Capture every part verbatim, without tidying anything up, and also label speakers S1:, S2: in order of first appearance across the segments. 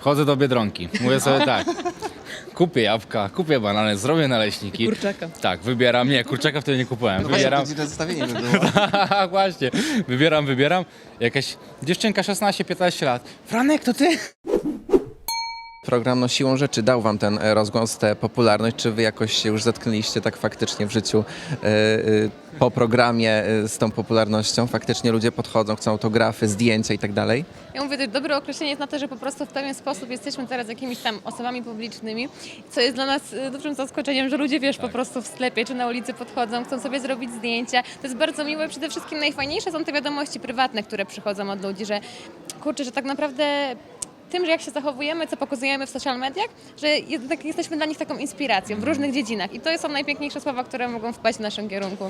S1: Wchodzę do Biedronki, mówię sobie tak, kupię jabłka, kupię banany, zrobię naleśniki.
S2: Kurczaka.
S1: Tak, wybieram, nie, kurczaka wtedy nie kupowałem,
S3: No
S1: wybieram.
S3: właśnie, to zestawienie by było.
S1: Właśnie, wybieram, wybieram. Jakaś dziewczynka szesnaście piętnaście lat. Franek, to ty?
S3: Program no siłą rzeczy dał wam ten e, rozgłos, tę popularność. Czy wy jakoś się już zetknęliście tak faktycznie w życiu e, e, po programie e, z tą popularnością? Faktycznie ludzie podchodzą, chcą autografy, zdjęcia i tak dalej?
S2: Ja mówię, że dobre określenie jest na to, że po prostu w pewien sposób jesteśmy teraz jakimiś tam osobami publicznymi, co jest dla nas y, dużym zaskoczeniem, że ludzie, wiesz, po prostu w sklepie czy na ulicy podchodzą, chcą sobie zrobić zdjęcia. To jest bardzo miłe. Przede wszystkim najfajniejsze są te wiadomości prywatne, które przychodzą od ludzi, że kurczę, że tak naprawdę tym, że jak się zachowujemy, co pokazujemy w social mediach, że jednak jesteśmy dla nich taką inspiracją w różnych dziedzinach. I to są najpiękniejsze słowa, które mogą wpaść w naszym kierunku.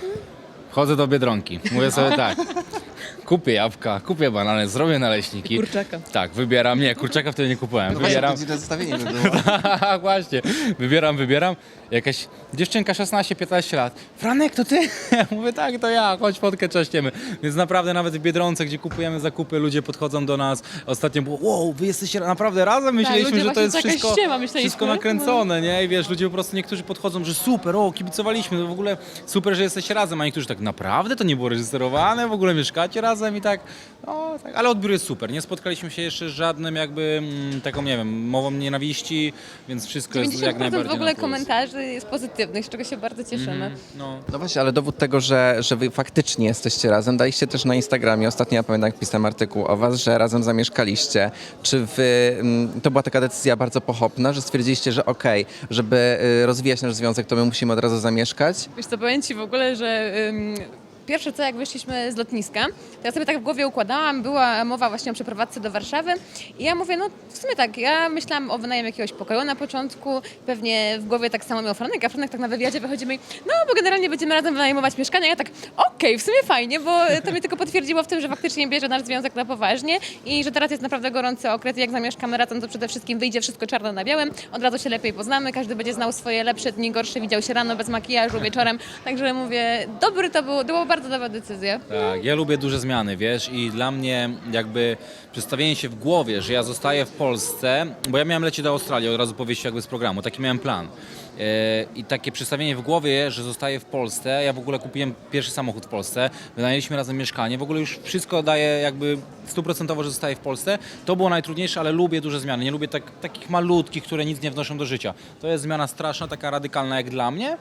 S1: Wchodzę do Biedronki, mówię sobie tak, kupię jabłka, kupię banany, zrobię naleśniki.
S2: Kurczaka.
S1: Tak, wybieram, nie, kurczaka wtedy nie kupowałem,
S3: No
S1: wybieram.
S3: właśnie, to zestawienie by było.
S1: Właśnie, wybieram, wybieram. Jakaś dziewczynka szesnaście piętnaście lat. Franek, to ty? Ja mówię, tak, to ja, chodź fotkę czaściemy. Więc naprawdę nawet w Biedronce, gdzie kupujemy zakupy, ludzie podchodzą do nas. Ostatnio było, wow, wy jesteście naprawdę razem? Myśleliśmy,
S2: ludzie
S1: że to
S2: właśnie,
S1: jest
S2: to jakaś
S1: wszystko,
S2: ściema, myśleliśmy.
S1: wszystko nakręcone, nie? I wiesz, ludzie po prostu, niektórzy podchodzą, że super, o, kibicowaliśmy, to w ogóle super, że jesteście razem, a niektórzy tak, naprawdę to nie było reżyserowane, w ogóle mieszkacie razem i tak, no, tak. Ale odbiór jest super. Nie spotkaliśmy się jeszcze z żadnym jakby mm, taką, nie wiem, mową nienawiści, więc wszystko jest jak
S2: dziewięćdziesiąt procent
S1: najbardziej
S2: w ogóle
S1: na plus.
S2: komentarzy jest pozytywnych, z czego się bardzo cieszymy.
S1: No.
S3: No właśnie, ale dowód tego, że, że wy faktycznie jesteście razem, daliście też na Instagramie. Ostatnio ja pamiętam, jak pisałem artykuł o was, że razem zamieszkaliście. Czy wy, mm, to była taka decyzja bardzo pochopna, że stwierdziliście, że okej, żeby y, rozwijać nasz związek, to my musimy od razu zamieszkać?
S2: Wiesz co, powiem Ci w ogóle, że ym, pierwsze co, jak wyszliśmy z lotniska, to ja sobie tak w głowie układałam, była mowa właśnie o przeprowadzce do Warszawy i ja mówię, no w sumie tak, ja myślałam o wynajmie jakiegoś pokoju na początku, pewnie w głowie tak samo miał Franek, a Franek tak na wywiadzie wychodzi mi, no bo generalnie będziemy razem wynajmować mieszkania, ja tak, okej, w sumie fajnie, bo to mnie tylko potwierdziło w tym, że faktycznie bierze nasz związek na poważnie i że teraz jest naprawdę gorący okres i jak zamieszkamy razem, to przede wszystkim wyjdzie wszystko czarno na białym, od razu się lepiej poznamy, każdy będzie znał swoje lepsze dni, gorsze, widział się rano bez makijażu, wieczorem, także mówię, dobry to było, to była bardzo dobra decyzja.
S1: Tak, ja lubię duże zmiany, wiesz, i dla mnie jakby przedstawienie się w głowie, że ja zostaję w Polsce, bo ja miałem lecieć do Australii od razu po wyjściu jakby z programu, taki miałem plan. E, I takie przedstawienie w głowie, że zostaję w Polsce, ja w ogóle kupiłem pierwszy samochód w Polsce, wynajęliśmy razem mieszkanie, w ogóle już wszystko daje jakby stuprocentowo, że zostaję w Polsce. To było najtrudniejsze, ale lubię duże zmiany, nie lubię tak, takich malutkich, które nic nie wnoszą do życia. To jest zmiana straszna, taka radykalna jak dla mnie.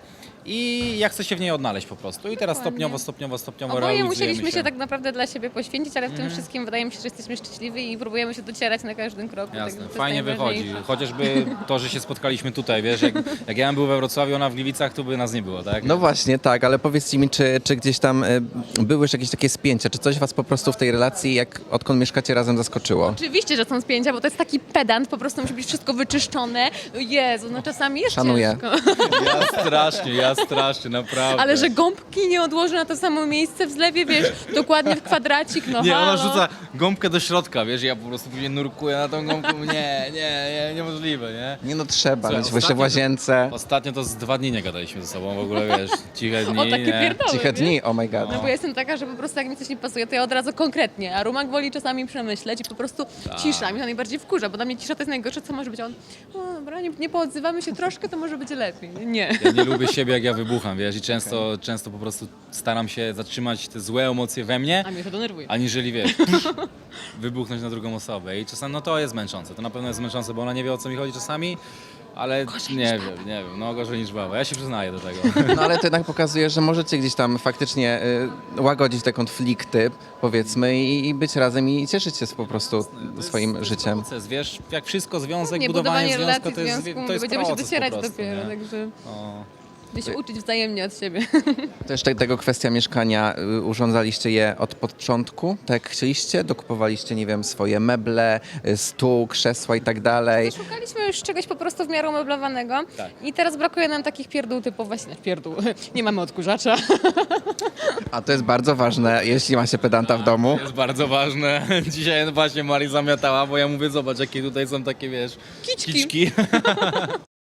S1: I ja chcę się w niej odnaleźć po prostu. I teraz
S2: Dokładnie.
S1: stopniowo, stopniowo, stopniowo
S2: Oboje
S1: realizujemy
S2: musieliśmy się
S1: się
S2: tak naprawdę dla siebie poświęcić, ale w tym wszystkim wydaje mi się, że jesteśmy szczęśliwi i próbujemy się docierać na każdym kroku.
S1: Jasne,
S2: tak, to
S1: fajnie
S2: jest
S1: wychodzi.
S2: najważniejsze.
S1: Chociażby to, że się spotkaliśmy tutaj, wiesz, jak, jak ja bym był we Wrocławiu, ona w Gliwicach, to by nas nie było, tak?
S3: No właśnie, tak, ale powiedzcie mi, czy, czy gdzieś tam y, były już jakieś takie spięcia, czy coś was po prostu w tej relacji, jak odkąd mieszkacie razem, zaskoczyło?
S2: Oczywiście, że są spięcia, bo to jest taki pedant, po prostu musi być wszystko wyczyszczone. Jezu, no czasami jest
S3: Szanuję.
S2: ciężko.
S1: Ja strasznie, ja strasznie, naprawdę.
S2: Ale że gąbki nie odłoży na to samo miejsce w zlewie, wiesz, dokładnie w kwadracik, no
S1: Nie, ona
S2: halo.
S1: rzuca gąbkę do środka, wiesz, ja po prostu później nurkuję na tą gąbką, nie, nie, nie, niemożliwe, nie?
S3: Nie no, trzeba
S1: Słuchaj,
S3: mieć właśnie w
S1: ostatnio-
S3: łazience.
S1: Ostatnio to z dwa dni nie gadaliśmy ze sobą, w ogóle, wiesz, ciche dni,
S2: O, takie
S1: nie?
S2: pierdoły,
S3: Ciche
S2: wiesz?
S3: dni, oh my god.
S2: No bo ja jestem taka, że po prostu jak mi coś nie pasuje, to ja od razu konkretnie, a Rumak woli czasami przemyśleć i po prostu
S1: Tak.
S2: cisza. Mnie to najbardziej wkurza, bo dla mnie cisza to jest najgorsze, co może być. A on, o dobra, nie, nie poodzywamy się troszkę, to może być lepiej. Nie.
S1: Ja nie lubię siebie, jak ja wybucham, wiesz, i często, często po prostu staram się zatrzymać te złe emocje we mnie,
S2: A mnie to denerwuje.
S1: aniżeli, wiesz, wybuchnąć na drugą osobę. I czasami, no to jest męczące, to na pewno jest męczące, bo ona nie wie, o co mi chodzi czasami, ale nie wiem, nie wiem, no gorzej niż baba. Ja się przyznaję do tego.
S3: No ale to jednak pokazuje, że możecie gdzieś tam faktycznie y, łagodzić te konflikty, powiedzmy, i, i być razem i cieszyć się po prostu swoim życiem.
S1: Proces, wiesz, jak wszystko, związek,
S2: Nie,
S1: budowanie,
S2: budowanie
S1: związku,
S2: relacji
S1: to jest,
S2: w związku,
S1: to jest
S2: będziemy się
S1: proces
S2: docierać
S1: po prostu,
S2: dopiero,
S1: nie?
S2: także
S1: No.
S2: będziemy się uczyć wzajemnie od siebie.
S3: To jeszcze tego kwestia mieszkania, y, urządzaliście je od początku, tak jak chcieliście? Dokupowaliście, nie wiem, swoje meble, y, stół, krzesła i tak dalej.
S2: Szukaliśmy już czegoś po prostu w miarę umeblowanego
S1: Tak.
S2: i teraz brakuje nam takich pierdół typu właśnie, pierdół, nie mamy odkurzacza.
S3: A to jest bardzo ważne, jeśli ma się pedanta w domu.
S1: To jest bardzo ważne. Dzisiaj właśnie Mari zamiatała, bo ja mówię, zobacz, jakie tutaj są takie, wiesz,
S2: Kiczki.
S1: kiczki.